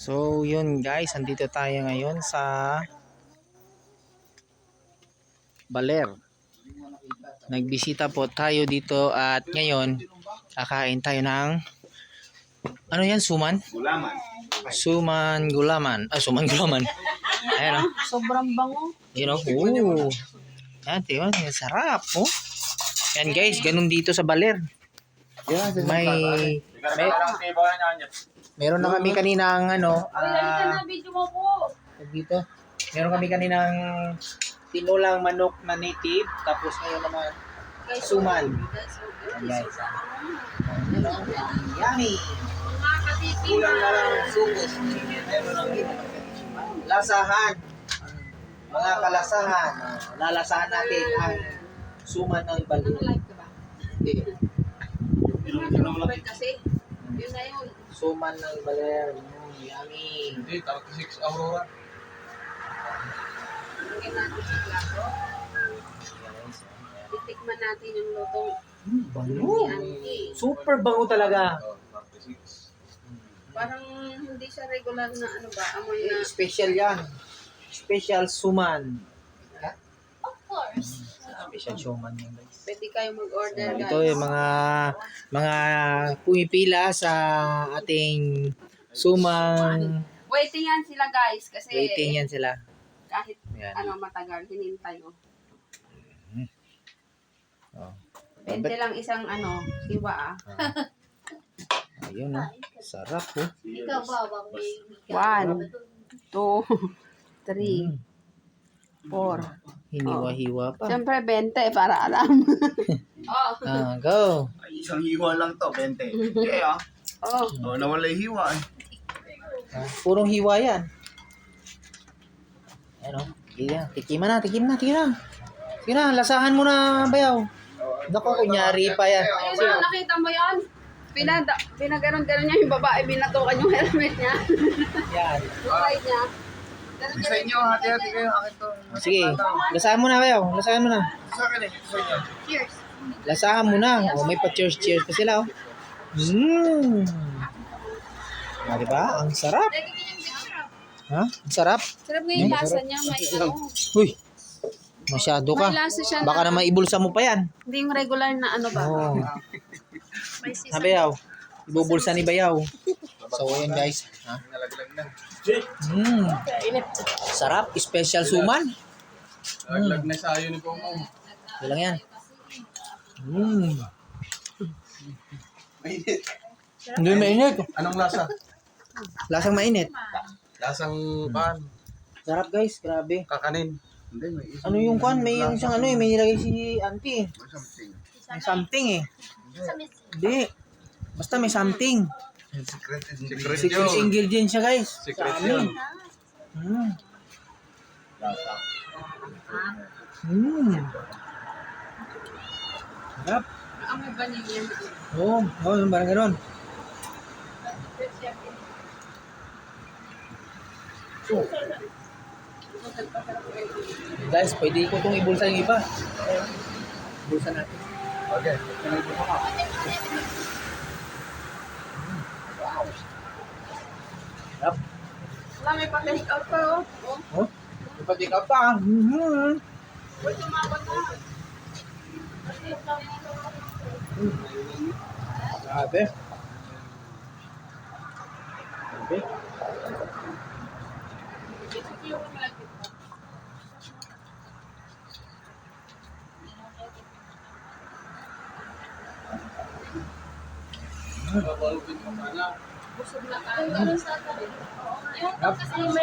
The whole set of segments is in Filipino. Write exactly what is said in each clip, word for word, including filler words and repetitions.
So yun guys, andito tayo ngayon sa Baler. Nagbisita po tayo dito at ngayon kakain tayo ng ano yan, suman? Gulaman. Suman gulaman. Ah, suman gulaman. Ayan o. Sobrang bango. You know, ooh. Yan, tiyo, sarap oh. Yan guys, ganun dito sa Baler. May, may meron na kami kaninang ano, ah, na video mo po. dito. Meron kami kaninang tinulang manok na native, tapos ngayon naman suman. Ayan guys. Ano? Yummy. Mga katiti. Kulang na lang ang sugos. Meron ang lasahan. Mga kalasahan. Lalasahan natin ang suman ng Baler. Live ka ba? Hindi. Kasi, yun na yun. Suman ng Baler. Mm, yummy. Hindi, thirty-six Aurora. Lagyan natin sa plato. Titikman natin yung lutong Bango. ni Auntie. Super bango talaga. Oh, thirty-six. Parang hindi siya regular na ano ba, amoy na. Eh, special yan. Special suman. Of course. Special suman yan guys. Pwede kayo mag-order guys. Ito yung mga mga pumipila sa ating sumang Waiting yan sila guys kasi waiting yan sila. kahit Yan. ano matagal, hinintay mo. Oh. Pwede lang isang ano, siwa ah. Ayun oh. Sarap oh. Ikaw ba, baby? One, two, three, four. Hiniwa-hiwa pa. Siyempre, bente para alam. oh. Ah, go. Ay, isang hiwa lang to, twenty. Okay ah. Oh. Oh, nawala yung hiwa eh. Ah, purong hiwa yan. Ayan oh. Yan. Tikiman na, tikim na, tikim na. Tikim na, lasahan mo na, bayaw. Naku, kunyari pa yan. Ayun na, nakita mo yan? Pinada, pinaganon-ganon niya yung babae, binatukan yung helmet niya. Yan. Yung ride niya. Sa inyo, hati-hati kayo. Akin to. Sige, lasahan mo na, bayaw. Lasahan mo na. Sa akin eh. Sa inyo. Cheers. Lasahan mo na. O, may pa-cheers-cheers pa sila, oh. Mmm. Ah, diba? Ang sarap. Ha? Ang sarap. Sarap nga yung lasa niya, may ano. Uy. Masyado ka. May lasa siya Baka na, na maibulsa mo pa yan. hindi yung regular na ano ba. Oh. May Ha, bayaw. Ibubulsa ni bayaw. So, ayan guys. Ha? Nalaglag na. Mmm. Sarap. Special suman. Nalaglag na sa ayo ni Pomo. Ito lang yan. Mmm. Mainit. Hindi mainit. Anong lasa? Lasang mainit. Lasang pan. Sarap guys. Grabe. Kakanin. Hindi, may isang... Ano yung kwan? May yung isang ano eh. May nilagay si auntie. May something. May something eh. Hindi. Basta may something. Secret Secret Secret yun. ingredient siya guys. Secret Sa amin. yun. Mm. Lasa. Mm. Sarap. Amoy vanilla. Oo. Oh, oh, yung parang gano'n. Guys, pwede ko itong ibulsa yung iba. Ibulsa natin. Okay. Sarap. Wala, may pa-take out pa oh. Oh. Oh, ipatik ka pa. Mm-hmm. Uy, tumabot na. Grabe. Grabe. Busog na tayo. Sarap.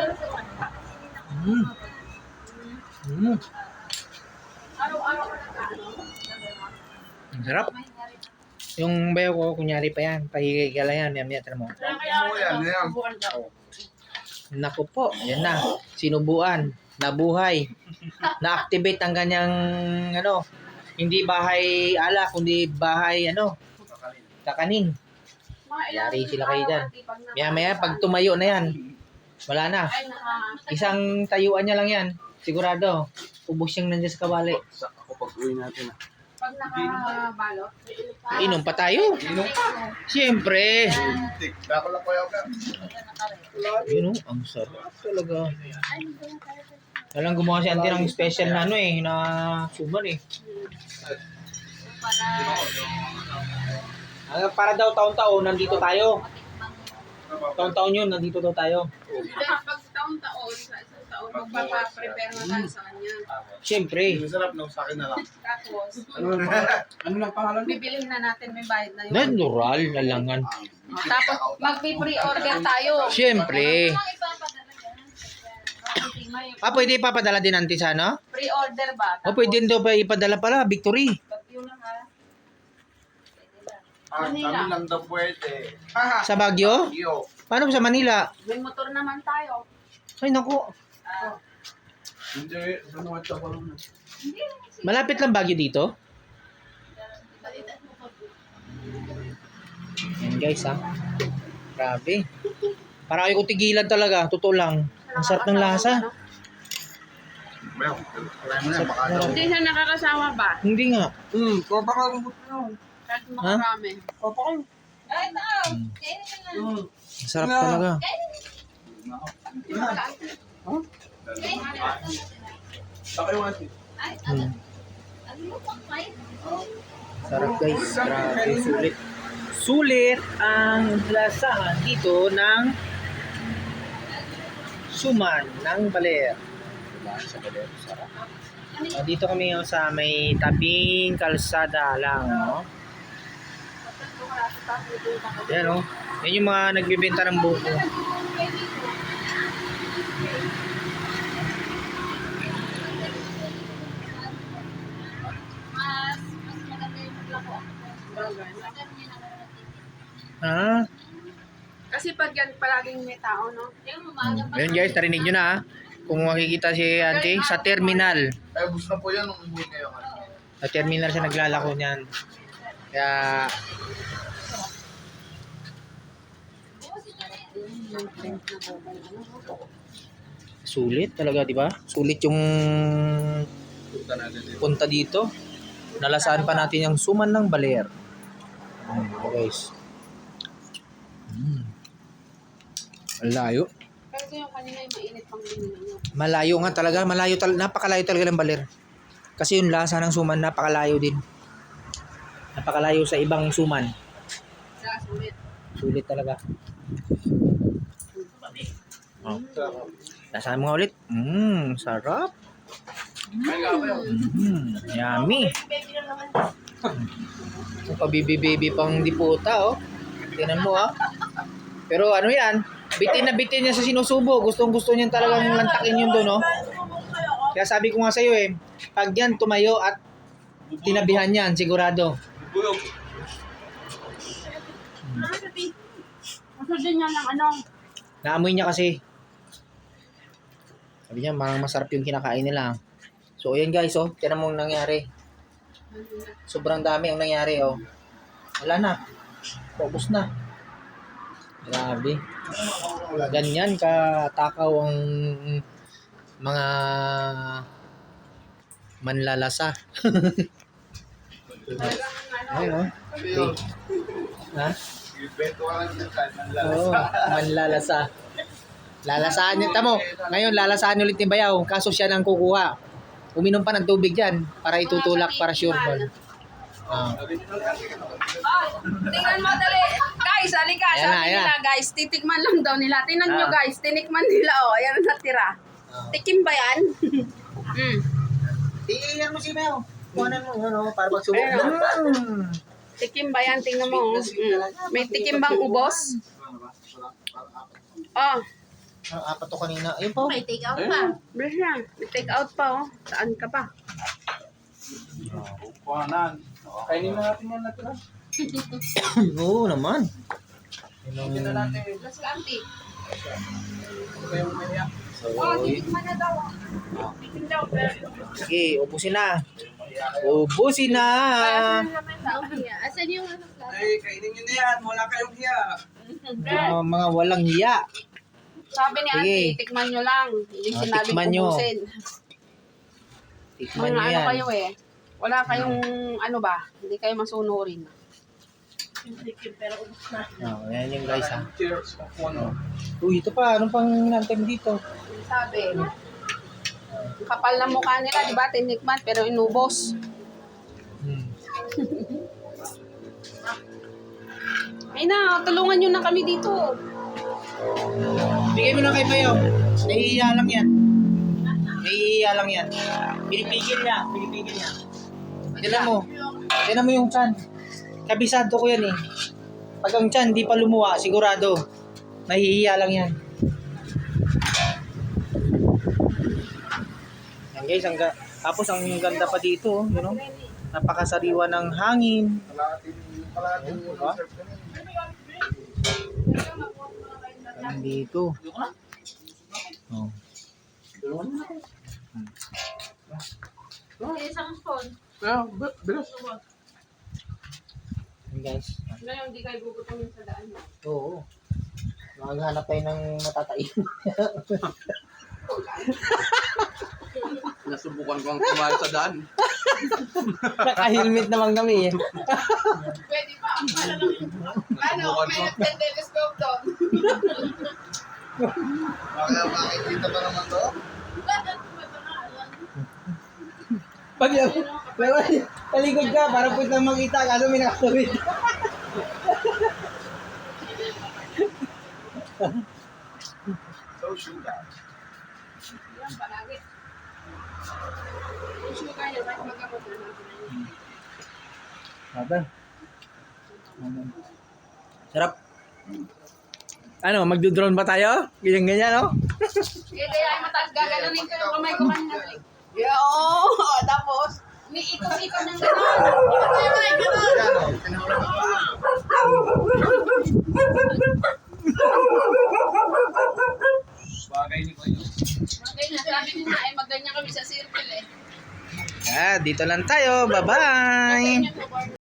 Mm. Mm. Araw-araw ka na ano? Ang sarap. Yung bayo ko, kunyari pa yan. Pahigay ka lang yan. Yan, yan. Tara mo. Oo, yan. Yan. Naku po. Yan na. Sinubuan. Nabuhay. Na-activate ang kanyang ano. Hindi bahay ala, kundi bahay ano. Kakanin. Yari sila kayo dyan. Maya maya, pag tumayo na yan, wala na. Isang tayuan niya lang yan. Sigurado. Ubus siyang nandiyan sa kawali. Sa ako pag-uwi natin. Pag nakabalot. Inom pa tayo. Inom pa. Siyempre. Tik. Dako lang ko yung Yun oh, ang sarap talaga. Walang gumawa si auntie ng special na ano eh, na suman eh. Ah, para daw taon-taon, nandito tayo. Taon-taon yun, nandito daw tayo. Pag taon-taon, sa isang taon, magpapaprepare na tayo sa kanya. Siyempre. Masarap no, sa akin na lang. Tapos, Ano lang pangalan? bibilihin na natin, may bayad na yun. Natural, nalangan. Tapos, magpi-pre-order tayo. Siyempre. Ah, pwede ipapadala din auntie sa ano? Pre-order ba? O pwede din daw pa ipadala pala, Victory. Bagyo lang ha. Ah, kami lang daw pwede. Sa Baguio? Yo. Paano sa Manila? May motor naman tayo. Ay naku, Ah, Hindi, ano at ako lang. hindi. malapit lang Baguio dito. Yan guys ha. Grabe. Para kayo ko tigilan talaga, totoo lang. Ang sarap ng lasa. Well, wala mo na, baka daw. Hindi siya nakakasawa ba? Hindi nga. Hmm, baka kalambot na. Kahit makarami. Papa ko. Mm. Ang sarap talaga. Baka yung ati. Mm. Sarap guys. Grabe, sulit. Sulit ang lasahan dito ng suman ng baler. Diba? Sa baler, sarap. Ah, dito kami oh, sa may tabing kalsada lang. No? Yan oh. Yan yung mga nagbibenta ng buko. Ha? Kasi pag yan palaging may tao, no? Ayun guys, narinig nyo na ha. Kung makikita si auntie sa terminal. Ay, bus na po yan nung buhay ngayon. Sa terminal siya naglalako niyan. Kaya sulit talaga, di ba? Sulit yung Punta natin dito. punta dito. Nalasaan pa natin yung suman ng baler. Ayan, guys. Mm. Ang layo. Pero yung kanina yung mainit pang binili nyo. Malayo nga talaga. Malayo tal napakalayo talaga ng baler. Kasi yung lasa ng suman napakalayo din. Napakalayo sa ibang suman. Sa sulit. Sulit talaga. Oh. Lasaan mo nga ulit. Mmm, sarap. Mmm, yummy. Pabibi-baby pang diputa, oh. Tingnan mo, ah. Pero ano yan, bitin na bitin niya sa sinusubo. Gustong gusto niya talagang lantakin yun doon, oh. Kaya sabi ko nga sa'yo, eh, pag yan tumayo at tinabihan yan, sigurado. Buyog. Gusto din yan ng ano? Naamoy niya kasi. Sabi niya, parang masarap yung kinakain nila. So, ayan guys, oh. Tiyan mo ang nangyari. Sobrang dami ang nangyari, oh. Wala na. Focus na. Grabe. Ganyan katakaw ang mga manlalasa. Ayun, oh. Okay. Ha? Ibeto ka lang dyan kahit ang lalas. Oo, manlalasa. Lalasaan niya. Tamo, ngayon lalasaan niyo ulit ni Bayaw. Kaso siya nang kukuha. Uminom pa ng tubig dyan para itutulak para sure ball. Ah. Oh, tingnan mo dali. Guys, halika. Ayan na, Sabi ayan nila, guys, titikman lang daw nila. Tingnan nyo, Ah. guys. Tinikman nila, oh. Ayan ang natira. Ah. Tikim ba yan? mm. Iyan mo si Bayaw. Kuhanan mo, ano, para magsubo. Ayan, oh. Mm. Tikim ba yan? Tingnan mo. oh. Mm. May tikim bang ubos? Oh, Ang apat to kanina. Ayun po. may take out pa. Bless na. May take out pa, oh. Saan ka pa? Kuhanan. Kainin na natin yan natin. Oo naman. Hindi na natin. Bless ka, auntie. Kayong maya. So, Oh, titikman na daw. oh. Tikim daw. sige, ubusin na. Ubusin na. Asan yung ano? Ay, kainin nyo na yan. Wala kayong hiya. Mga, mga walang hiya. Sabi ni Sige. auntie, tikman nyo lang. Hindi Ah, sinabing tikman nyo. ubusin. Tikman Mga nyo ano yan. kayo eh. Wala kayong ano ba? Hindi kayo masunurin. Oh, yan yung guys ha. Cheers. Ano? Uy, ito pa. Anong pang inantem dito? Sabi, ang kapal na mukha nila, di ba? Tinikman, pero inubos. Hmm. Ay na, tulungan nyo na kami dito. Bigay mo na kay Bayo. Nahihiya lang yan. Nahihiya lang yan. Pinipigil niya. Pinipigil niya. Tignan mo. Tignan mo yung chan. Kabisado ko yan eh. Pag ang chan di pa lumuwa, sigurado. Nahihiya lang yan. Yan guys, ang ga- tapos ang ganda pa dito, you know? Napakasariwa ng hangin. Kalahating, kalahating Ayun, yung diba? reserve ko na yun. Yan dito. Oh. Isang phone. Ah, bi- bilis. Yan guys. Ngayon, hindi kayo gugutumin sa daan. Oo. Maghanap tayo ng matatain. Nasubukan ko ang kumain sa daan. Naka-helmet naman kami eh. Pwede pa. Ano, Nasubukan ko. may nag-telescope doon. Bakit makikita pa naman to? Pag pero talikod ka, para pwede lang makita, kaso may nakatawid. So, sugar. Yan, palagi. Yung sugar niya, kahit magamot na natin. Aba. Sarap. Ano, magdo-drone ba tayo? Ganyan-ganyan, no? Sige, kaya ay mataas gaganunin ko yung kamay ko kanina. Yo! Oh, tapos, may ikot-ikot ng gano'n. Ikot-ikot ng gano'n. Yan o, pinahulog ko. Bagay ni Kuya. Okay na, sabi niya na, eh, magganyan kami sa circle eh. Ah, dito lang tayo. Bye-bye. Okay, yun,